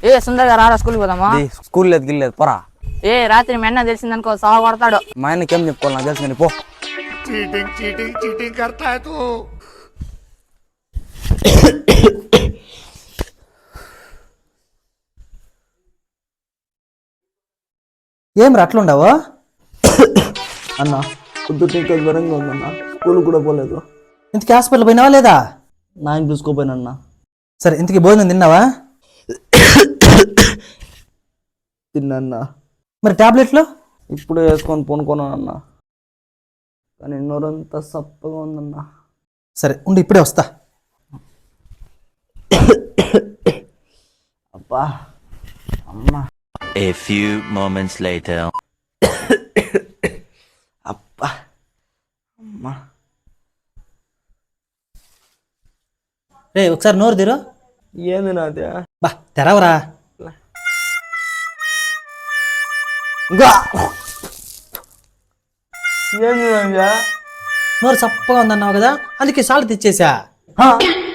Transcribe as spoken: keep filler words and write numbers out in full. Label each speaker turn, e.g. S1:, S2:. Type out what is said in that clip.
S1: ఏ సుందర్ గారు రారా స్కూల్కి పోదామా?
S2: స్కూల్ లేదు గిల్లేదు పోరా.
S1: ఏ రాత్రి మెన్న తెలిసిందనుకో సాగు కొడతాడు.
S2: మా ఆయనకేం చెప్పుకోవాలి నాకు తెలుసు కానీ పో.
S3: चीटिंग चीटिंग चीटिंग करता है तू।
S4: ఏం అట్లుండవు
S2: అన్న పొద్దుట ఇంకా జ్వరంగా ఉందన్న, స్కూల్ కూడా పోలేదు.
S4: ఇంతకీ హాస్పిటల్ పోయినావా లేదా?
S2: నాయన చూసుకోపోయినన్నా.
S4: సరే ఇంతకీ భోజనం తిన్నావా?
S2: తిన్నా.
S4: మరి టాబ్లెట్లు
S2: ఇప్పుడే వేసుకొని పొనుకున్నానన్న, కానీ నోరంతా సప్పగా ఉందన్న.
S4: సరే ఉండి ఇప్పుడే వస్తా.
S2: అబ్బా అమ్మా.
S5: A few moments later.
S2: అబ్బా అమ్మా.
S4: రే ఒకసారి నోరు తీరు.
S2: ఏంది నాదే?
S4: బా తెరవరా.
S2: ఇంకా ఏంది నాదే?
S4: నోరు చప్పగా ఉందన్నావు కదా, అందుకే సాల్ట్ తెచ్చేసా.